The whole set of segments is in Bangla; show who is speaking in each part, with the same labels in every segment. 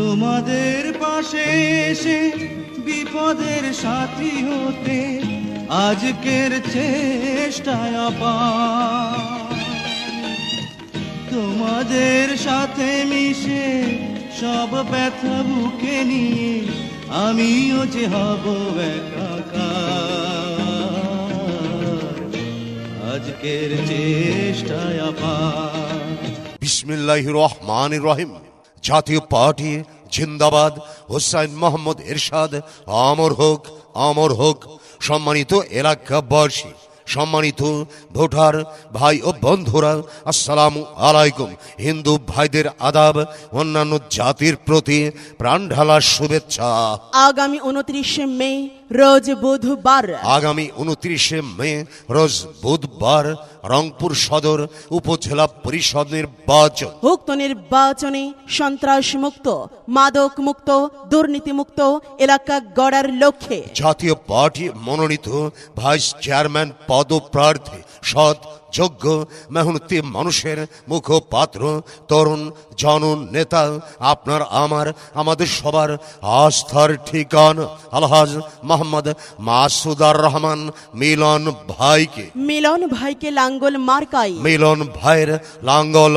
Speaker 1: তোমাদের পাশে এসে বিপদের সাথী হতে আজকের চেষ্টায় আপার। তোমাদের সাথে মিশে সব ব্যথা বুকে নিয়ে আমিও যে হব একাকার, আজকের চেষ্টায় আপার।
Speaker 2: বিসমিল্লাহির রহমানির রহিম। জাতীয় পার্টি জিন্দাবাদ। হোসাইন মোহাম্মদ এরশাদ অমর হোক, অমর হোক। সম্মানিত এলাকাবাসী, সম্মানিত ভোটার ভাই ও বন্ধুরা, আসসালামু আলাইকুম। হিন্দু ভাইদের আদাব, অন্যান্য জাতির প্রতি প্রাণঢালা শুভেচ্ছা।
Speaker 3: আগামী 29শে মে রোজ বুধবার,
Speaker 2: আগামী 29শে মে রোজ বুধবার রংপুর সদর উপজেলা পরিষদ নির্বাচন।
Speaker 3: উক্ত নির্বাচনে সন্ত্রাস মুক্ত, মাদক মুক্ত, দুর্নীতি মুক্ত এলাকা গড়ার লক্ষ্যে
Speaker 2: জাতীয় পার্টি মনোনীত ভাইস চেয়ারম্যান পদপ্রার্থী সৎ, যোগ্য, মেহনতি মানুষের মুখপাত্র, তরুণ জননেতা, আপনার আমাদের সবার আস্থার ঠিকানা আলহাজ মোহাম্মদ মাসুদার রহমান মিলন ভাইকে,
Speaker 3: মিলন ভাইকে লাঙ্গল মার্কাই,
Speaker 2: মিলন ভাইয়ের লাঙ্গল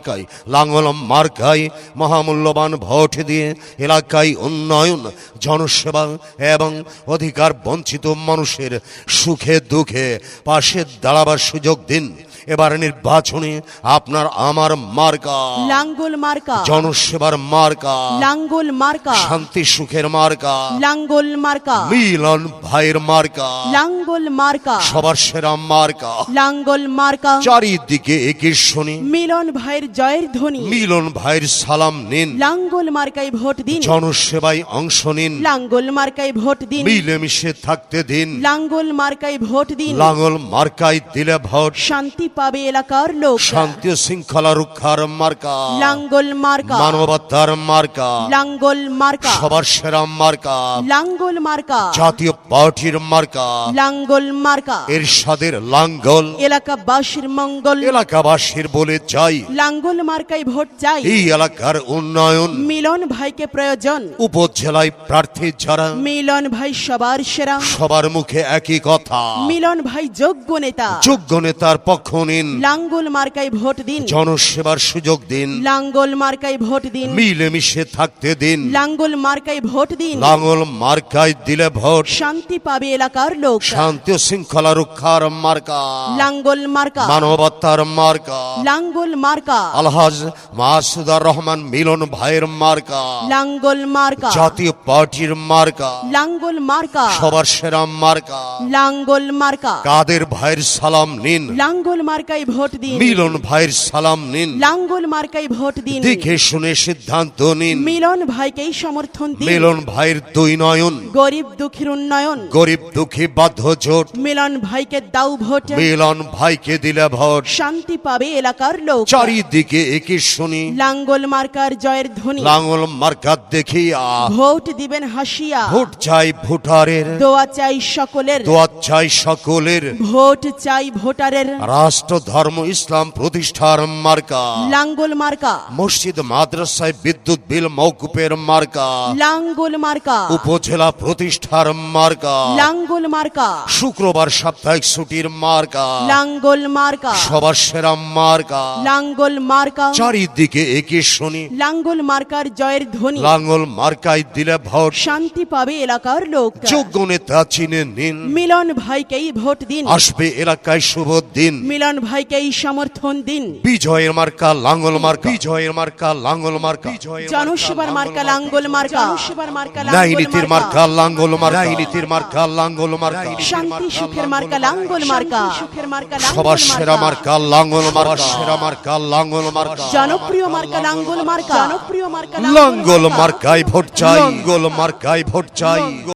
Speaker 2: মার্কাই মহামূল্যবান ভোট দিয়ে এলাকায় উন্নয়ন, জনসেবা এবং অধিকার বঞ্চিত মানুষের সুখে দুঃখে পাশে দাঁড়াবার সুযোগ দিন। এবার নির্বাচনে আপনার আমার মার্কা
Speaker 3: লাঙ্গল মার্কা,
Speaker 2: জনসেবার মার্কা
Speaker 3: লাঙ্গল মার্কা,
Speaker 2: শান্তি সুখের মার্কা
Speaker 3: লাঙ্গল মার্কা,
Speaker 2: মিলন ভাইয়ের মার্কা
Speaker 3: লাঙ্গল মার্কা,
Speaker 2: সবার সেরা মার্কা
Speaker 3: লাঙ্গল মার্কা।
Speaker 2: চারিদিকে একে শুনি
Speaker 3: মিলন ভাইয়ের জয়ের ধ্বনি,
Speaker 2: মিলন ভাইয়ের সালাম নিন।
Speaker 3: লাঙ্গল মার্কায় ভোট দিন,
Speaker 2: জনসেবায় অংশ নিন।
Speaker 3: লাঙ্গল মার্কায় ভোট দিন,
Speaker 2: মিলেমিশে থাকতে দিন।
Speaker 3: লাঙ্গল মার্কায় ভোট দিন।
Speaker 2: লাঙ্গল মার্কায় দিলে ভোট
Speaker 3: শান্তি পাবে এলাকার লোক।
Speaker 2: শান্তি ও শৃঙ্খলা রক্ষার মার্কা
Speaker 3: লাঙ্গল মার্কা,
Speaker 2: মানবতার মার্কা
Speaker 3: লাঙ্গল মার্কা,
Speaker 2: সবার সেরা মার্কা
Speaker 3: লাঙ্গল মার্কা,
Speaker 2: জাতীয় পার্টির মার্কা
Speaker 3: লাঙ্গল মার্কা।
Speaker 2: এরশাদের লাঙ্গল
Speaker 3: এলাকাবাসীর মঙ্গল,
Speaker 2: এলাকাবাসীর বলে যাই
Speaker 3: লাঙ্গল মার্কায় ভোট চাই।
Speaker 2: এই এলাকার উন্নয়ন,
Speaker 3: মিলন ভাইকে প্রয়োজন।
Speaker 2: উপজেলায় প্রার্থী যারা
Speaker 3: মিলন ভাই সবার সেরা,
Speaker 2: সবার মুখে একই কথা,
Speaker 3: মিলন ভাই যোগ্য নেতা।
Speaker 2: যোগ্য নেতার পক্ষ নিন।
Speaker 3: লাঙ্গল মার্কায় ভোট দিন,
Speaker 2: জনসেবার সুযোগ দিন।
Speaker 3: লাঙ্গল মার্কায় ভোট দিন,
Speaker 2: মিলেমিশে থাকতে দিন।
Speaker 3: লাঙ্গল মার্কায় ভোট দিন।
Speaker 2: লাঙ্গল মার্কায় দিলে ভোট
Speaker 3: শান্তি পাবে এলাকার লোক।
Speaker 2: শান্তি ও শৃঙ্খলা রক্ষার মার্কা
Speaker 3: লাঙ্গল মার্কা,
Speaker 2: মানবতার মার্কা
Speaker 3: লাঙ্গল মার্কা,
Speaker 2: আলহাজ মাসুদার রহমান মিলন ভাইয়ের মার্কা
Speaker 3: লাঙ্গল মার্কা,
Speaker 2: জাতীয় পার্টির মার্কা
Speaker 3: লাঙ্গল মার্কা,
Speaker 2: সবার সেরা মার্কা
Speaker 3: লাঙ্গল মার্কা।
Speaker 2: কাদের ভাইয়ের সালাম নিন।
Speaker 3: লাঙ্গল মার্কায় ভোট দিন,
Speaker 2: মিলন ভাইয়ের সালাম নিন।
Speaker 3: লাঙ্গল মার্কায় ভোট দিন।
Speaker 2: দেখে শুনে সিদ্ধান্ত নিন।
Speaker 3: মিলন ভাইকেই সমর্থন দিন।
Speaker 2: মিলন ভাইয়ের দুই নয়ন,
Speaker 3: গরিব দুঃখীর উন্নয়ন,
Speaker 2: গরিব দুঃখী বাধ্য জোট।
Speaker 3: মিলন ভাইকে দাও ভোট।
Speaker 2: মিলন ভাইকে দিলে ভোট
Speaker 3: শান্তি পাবে এলাকার লোক।
Speaker 2: চারিদিকে একে শুনি
Speaker 3: লাঙ্গল মার্কার জয়ের ধ্বনি,
Speaker 2: লাঙ্গল মার্কা দেখিয়া
Speaker 3: ভোট দিবেন হাসিয়া।
Speaker 2: ভোট চাই ভোটারের,
Speaker 3: দোয়া চাই সকলের,
Speaker 2: দোয়া চাই সকলের।
Speaker 3: ভোট চাই ভোটারের।
Speaker 2: রাষ্ট্র ধর্ম ইসলাম প্রতিষ্ঠার মার্কা
Speaker 3: লাঙ্গল মার্কা,
Speaker 2: মসজিদ মাদ্রাসায় বিদ্যুৎ বিল মওকুফের মার্কা
Speaker 3: লাঙ্গল মার্কা,
Speaker 2: উপজেলা প্রতিষ্ঠার মার্কা
Speaker 3: লাঙ্গল মার্কা,
Speaker 2: শুক্রবার সাপ্তাহিক ছুটির মার্কা
Speaker 3: লাঙ্গল মার্কা,
Speaker 2: সবার সেরা মার্কা
Speaker 3: লাঙ্গল মার্কা।
Speaker 2: চারিদিকে একে শুনি
Speaker 3: লাঙ্গল মার্কার জয়ের ধ্বনি,
Speaker 2: লাঙ্গল মার্কায় দিলে ভোট
Speaker 3: শান্তি পাবে এলাকার লোক।
Speaker 2: যোগ্য নেতা চিনে নিন।
Speaker 3: মিলন ভাইকেই ভোট দিন,
Speaker 2: আসবে এলাকায় শুভ দিন।
Speaker 3: মিলন ভাইকেই সমর্থন দিন।
Speaker 2: বিজয়ের মার্কা লাঙ্গল মার্কা, বিজয়ের মার্কা লাঙ্গল মার্কা,
Speaker 3: জনসেবার মার্কা লাঙ্গল মার্কা, জনসেবার মার্কা
Speaker 2: ন্যায় নীতির মার্কা লাঙ্গল মার্কা, ন্যায় নীতির মার্কা লাঙ্গল মার্কা,
Speaker 3: শান্তি সুখের মার্কা লাঙ্গল মার্কা, সুখের মার্কা
Speaker 2: সবার সেরা মার্কা লাঙ্গল মার্কা, সেরা মার্কা লাঙ্গল মার্কা,
Speaker 3: জনপ্রিয় মার্কা লাঙ্গল মার্কা, জনপ্রিয় মার্কা
Speaker 2: লাঙ্গল মার্কায় ভোট চাই, লাঙ্গল মার্কায় ভোট চাই।